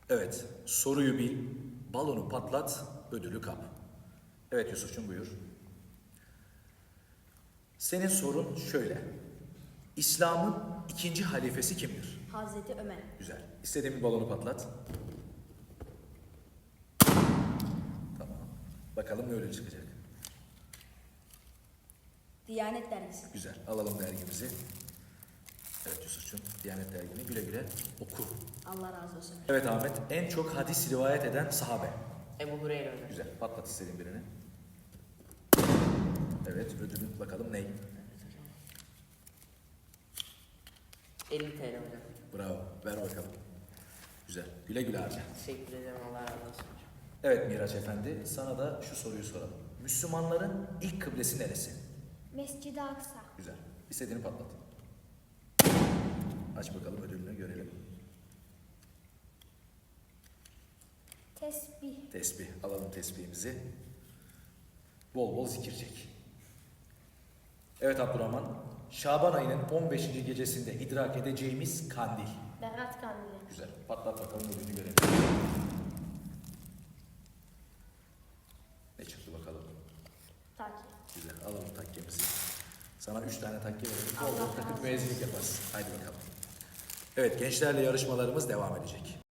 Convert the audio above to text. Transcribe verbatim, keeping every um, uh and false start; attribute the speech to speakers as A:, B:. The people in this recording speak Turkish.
A: Evet, soruyu bil, balonu patlat, ödülü kap. Evet Yusuf'cum buyur. Senin sorun şöyle. İslam'ın ikinci halifesi kimdir?
B: Hazreti Ömer.
A: Güzel. İstediğin bir balonu patlat. Tamam. Bakalım ne ödül çıkacak.
B: Diyanet Dergisi.
A: Güzel. Alalım dergimizi. Evet Yusuf'cum, Diyanet dergini güle güle oku.
B: Allah razı olsun.
A: Evet Ahmet, en çok hadis rivayet eden sahabe.
C: Ebu Hureyre hocam.
A: Güzel. Patlat istediğin birini. Evet, ödülün bakalım ney?
C: elli T L hocam.
A: Bravo. Ver bakalım. Güzel. Güle güle harca.
C: Teşekkür ederim. Allah razı olsun hocam.
A: Evet Miraç Efendi, sana da şu soruyu soralım. Müslümanların ilk kıblesi neresi?
D: Mescid-i Aksa.
A: Güzel. İstediğini patlat. Aç bakalım ödülünü görelim.
D: Tesbih.
A: Tesbih. Alalım tesbihimizi. Bol bol zikir çek. Evet Abdurrahman. Şaban ayının on beşinci gecesinde idrak edeceğimiz kandil.
D: Berat Kandili.
A: Güzel. Patlat bakalım ödülünü görelim. Ne çıktı bakalım.
D: Taki.
A: Güzel. Alalım takkemizi. Sana üç tane takke verelim.
D: Allah
A: Bol bol
D: razı
A: takıp
D: olsun.
A: müezzinlik yaparsın. Haydi bakalım. Evet gençlerle yarışmalarımız devam edecek.